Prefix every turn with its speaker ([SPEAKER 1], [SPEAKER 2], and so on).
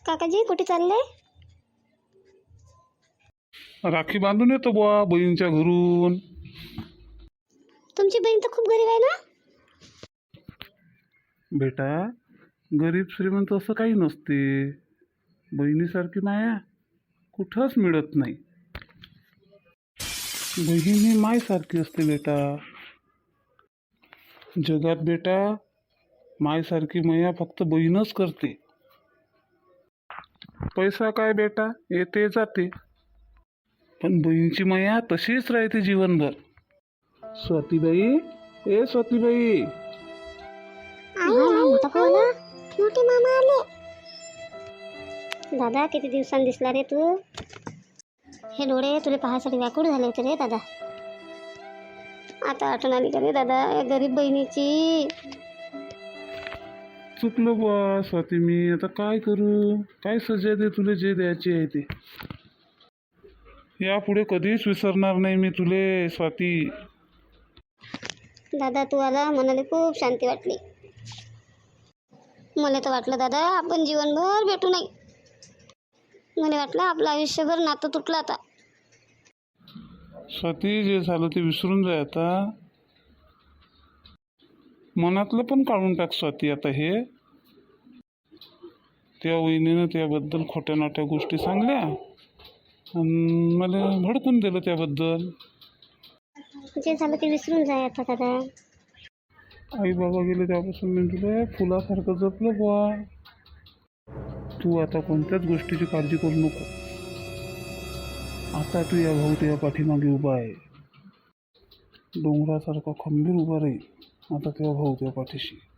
[SPEAKER 1] काकाजी कुठे चालले?
[SPEAKER 2] राखी बांधून येतो बुवा बहिणीच्या घरून.
[SPEAKER 1] तुमची बहीण तर खूप गरीब आहे ना.
[SPEAKER 2] बेटा, गरीब श्रीमंत असं काही नसते. बहिणीसारखी माया कुठंच मिळत नाही. बहीण ही मायसारखी असते बेटा. जगात बेटा मायसारखी माया फक्त बहीणच करते. पैसा काय बेटा येते जाते, पण बहीणची माया तशीच राहते जीवनभर. स्वातीबाई, ए स्वातीबाई.
[SPEAKER 1] मोठा भाऊ आला, मोठे मामा आले. दादा किती दिवसांनी दिसला रे तू. हे डोळे तुला पाहायसाठी व्याकुळ झाले होते रे दादा. आता आठवण आली का रे दादा या गरीब बहिणीची.
[SPEAKER 2] चुकलो बुवा स्वाती, मी आता काय करू. काय सजा दे तुले जे द्यायचे आहे ते. यापुढे कधीच विसरणार नाही मी तुले स्वाती.
[SPEAKER 1] दादा तू आला मनाला खूप शांती वाटली. मला तर वाटलं दादा आपण जीवनभर भेटू नाही. मला वाटलं आपलं आयुष्यभर नातं तुटलं आता.
[SPEAKER 2] स्वाती, जे झालं ते विसरून जाय आता. मनातलं पण काढून टाक स्वाती आता. हे त्या वहिनीनं त्याबद्दल खोट्या नाट्या गोष्टी सांगल्या आणि मला भडकून दिलं त्याबद्दल.
[SPEAKER 1] जे झालं ते विसरून जाय आता दादा.
[SPEAKER 2] आई बाबा गेले त्यापासून मी तुला फुलासारखं जपलं बुवा. तू आता कोणत्याच गोष्टीची काळजी करू नको. आता तू या भाऊ तुझ्या पाठीमागे उभा आहे. डोंगरासारखा खंबीर उभा राहील आता तेव्हा भाऊ तुझ्या पाठीशी.